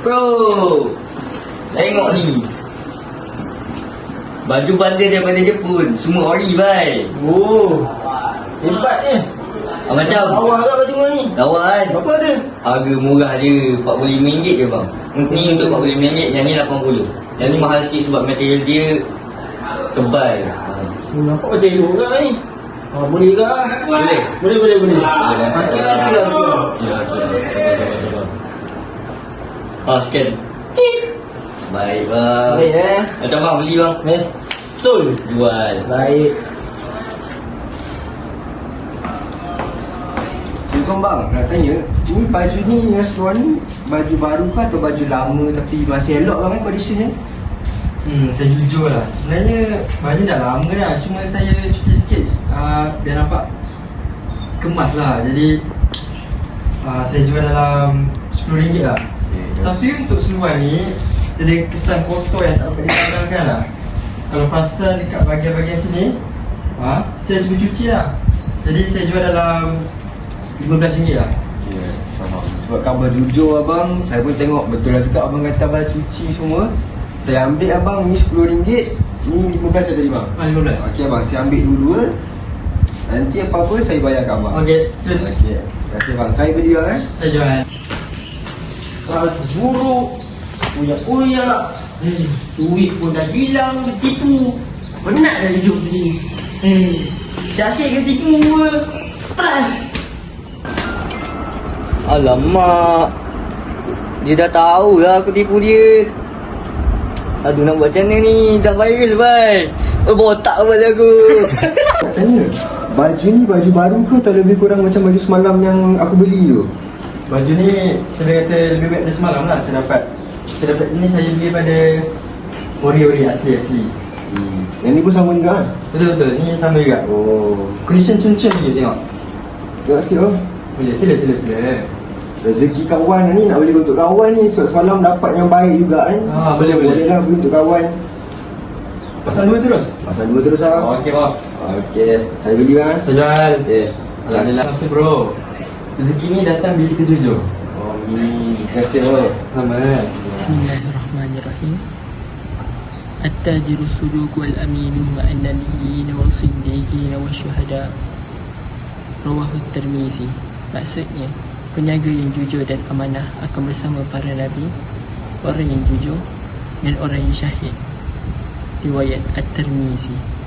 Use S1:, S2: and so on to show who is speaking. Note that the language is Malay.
S1: bro. Tengok ni. Baju bundle daripada Jepun. Semua ori bhai.
S2: Oh, hebat ni.
S1: Macam
S2: Lawa tak baju ni?
S1: lawa kan.
S2: Berapa ada?
S1: Harga murah je, RM45 je bang. Ni untuk RM45, yang ni RM80. Yang ni mahal sikit sebab material dia tebal.
S2: Nampak macam elok kat ni. Boleh ke?
S1: Boleh.
S2: Boleh.
S1: Boleh.
S2: Pakai lagi lah.
S1: Ya, okey. Scan. Baik bang.
S2: Baik
S1: Macam bang beli bang.
S2: Betul.
S1: Jual.
S2: Baik.
S3: Bukan bang, nak tanya, ni baju ni yang seluar ni baju baru ke atau baju lama tapi masih elok bang conditionnya?
S2: Saya jujur lah. Sebenarnya baju dah lama dah. Cuma saya cuci sikit biar nampak kemas lah. Jadi saya jual dalam RM10 lah. Tapi untuk seluar ni dia ada kesan kotor yang tak dapat dipandangkan lah. Kalau perasan dekat bahagian-bahagian sini, saya cuba cuci lah. Jadi saya jual dalam RM15 lah.
S3: Ya, faham. Sebab khabar jujur abang, saya pun tengok betul lah juga abang kata abang cuci semua. Saya ambil abang ni RM10, ni RM15 tadi bang.
S2: RM15.
S3: Okey abang, saya ambil dua-dua. Nanti apa-apa saya bayar kat abang.
S2: Okey, sure.
S3: Okey. Terima kasih bang. Saya beli bang
S2: Saya jual. Buruk. Uyak-uyak. Duit pun dah hilang, tipu. Penat dah hidup ni. Si asyik ke tipu ke? Stres.
S1: Alamak. Dia dah tahu lah aku tipu dia. Aduh, nak buat macam mana ni? Dah viral bhai. Botak kepala aku.
S3: Nak tanya, baju ni baju baru ke atau lebih kurang macam baju semalam yang aku beli tu?
S2: Baju ni saya kata lebih baik dari semalam lah saya dapat. Saya dapat ni saya beli pada ori-ori asli.
S3: Yang ni pun sama juga kan?
S2: Betul-betul, ni sama juga.
S3: Oh,
S2: Condition cun-cun je tengok.
S3: tengok sikit bang.
S2: Boleh, sila.
S3: Rezeki kawan ni nak beli untuk kawan ni. Sebab semalam dapat yang baik juga kan.
S2: Boleh.
S3: Boleh lah beli untuk kawan.
S2: Pasang dua terus?
S3: Pasal dua terus lah.
S2: Okey bos.
S3: Okey, saya beli bang.
S2: Saya jual.
S3: Okey.
S2: Alhamdulillah. Terima kasih bro. Rezeki ni datang bila kita jujur.
S3: Terima kasih bang.
S2: Sama.
S4: Bismillahirrahmanirrahim. At-tajiru suduq wal aminu ma'an nabiyyin wa siddiqin wa syuhada. Rawahu Tirmizi. Maksudnya, peniaga yang jujur dan amanah akan bersama para nabi, orang yang jujur dan orang yang syahid. Riwayat At-Tirmizi.